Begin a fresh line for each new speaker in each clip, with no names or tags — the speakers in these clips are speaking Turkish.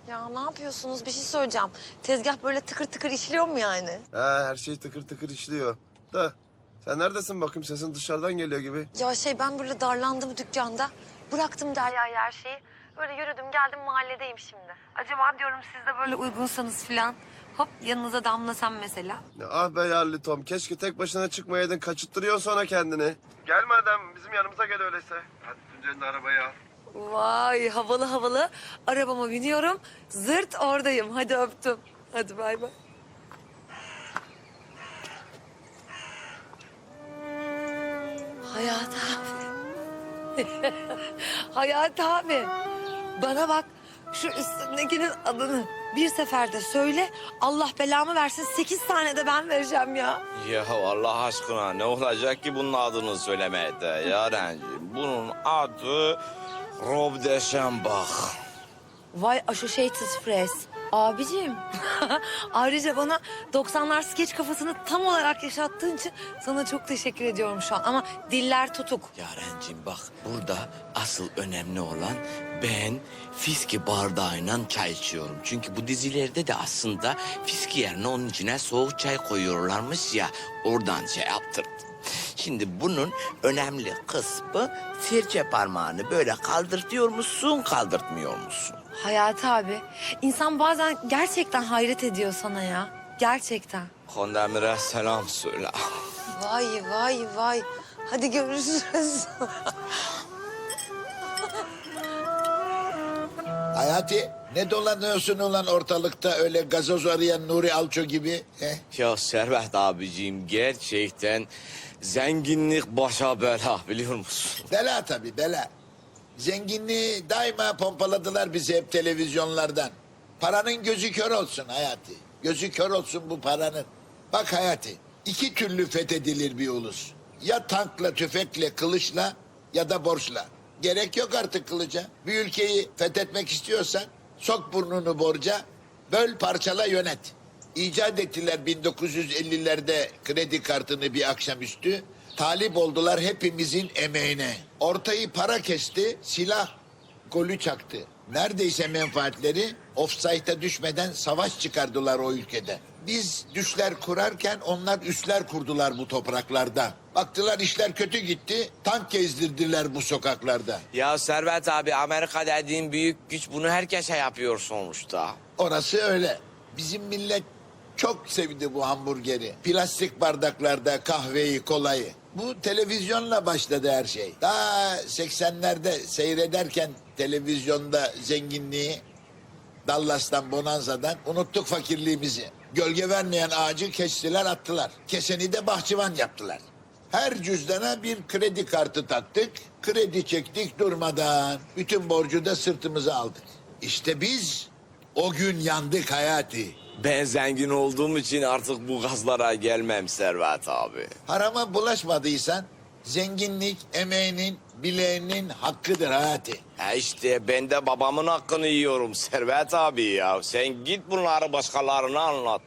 Ya ne yapıyorsunuz? Bir şey söyleyeceğim. Tezgah böyle tıkır tıkır işliyor mu yani?
Ha, her şey tıkır tıkır işliyor. Da sen neredesin bakayım, sesin dışarıdan geliyor gibi.
Ya ben böyle darlandım dükkanda. Bıraktım Derya'ya her şeyi. Böyle yürüdüm geldim mahalledeyim şimdi. Acaba diyorum siz de böyle uygunsanız falan. Hop yanınıza damlasam mesela.
Ya, ah be yarlı Tom, keşke tek başına çıkmayaydın, kaçırttırıyorsun sonra kendini. Gel madem bizim yanımıza gel öyleyse. Hadi Tuncay'ın da arabayı al.
Vay havalı havalı. Arabama biniyorum. Zırt oradayım. Hadi öptüm. Hadi bay bay. Hayat abi. Hayat abi. Bana bak şu üstündekinin adını bir seferde söyle. Allah belamı versin 8 tane de ben vereceğim ya.
Ya Allah aşkına ne olacak ki bunun adını söylemeye de Yarenciğim? Bunun adı Rob de Schambach.
Vay Associated Press. Abicim. Ayrıca bana 90'lar skeç kafasını tam olarak yaşattığın için sana çok teşekkür ediyorum şu an. Ama diller tutuk.
Yarenciğim bak burada asıl önemli olan ben fiski bardağıyla çay içiyorum. Çünkü bu dizilerde de aslında fiski yerine onun içine soğuk çay koyuyorlarmış ya, oradan şey yaptırdım. Şimdi bunun önemli kısmı serçe parmağını böyle kaldırtıyor musun, kaldırtmıyor musun?
Hayati abi, insan bazen gerçekten hayret ediyor sana ya. Gerçekten.
Kondemir'e selam söyle.
Vay vay vay. Hadi görüşürüz.
Hayati, ne dolanıyorsun ulan ortalıkta öyle gazoz arayan Nuri Alço gibi? He?
Ya Servet abiciğim gerçekten zenginlik başa bela biliyor musun?
Bela tabii bela. Zenginliği daima pompaladılar bizi hep televizyonlardan. Paranın gözü kör olsun Hayati. Gözü kör olsun bu paranın. Bak Hayati, iki türlü fethedilir bir ulus. Ya tankla, tüfekle, kılıçla ya da borçla. Gerek yok artık kılıca. Bir ülkeyi fethetmek istiyorsan sok burnunu borca, böl parçala yönet. İcat ettiler 1950'lerde kredi kartını bir akşamüstü. Talip oldular hepimizin emeğine. Ortayı para kesti, silah golü çaktı. Neredeyse menfaatleri ofsayta düşmeden savaş çıkardılar o ülkede. Biz düşler kurarken onlar üsler kurdular bu topraklarda. Baktılar işler kötü gitti, tank gezdirdiler bu sokaklarda.
Ya Servet abi Amerika dediğin büyük güç, bunu herkese yapıyor sonuçta.
Orası öyle. Bizim millet çok sevdi bu hamburgeri. Plastik bardaklarda kahveyi, kolayı. Bu televizyonla başladı her şey. Daha 80'lerde seyrederken televizyonda zenginliği, Dallas'tan, Bonanza'dan unuttuk fakirliğimizi. Gölge vermeyen ağacı kestiler attılar. Keseni de bahçıvan yaptılar. Her cüzdana bir kredi kartı taktık. Kredi çektik durmadan. Bütün borcu da sırtımıza aldık. İşte biz o gün yandık Hayati.
Ben zengin olduğum için artık bu gazlara gelmem Servet abi.
Harama bulaşmadıysan zenginlik emeğinin, bileğinin hakkıdır Hayati.
İşte ben de babamın hakkını yiyorum Servet abi ya. Sen git bunları başkalarına anlat.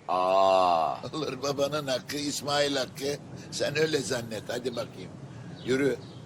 Olur babanın hakkı, İsmail hakkı. Sen öyle zannet. Hadi bakayım. Yürü.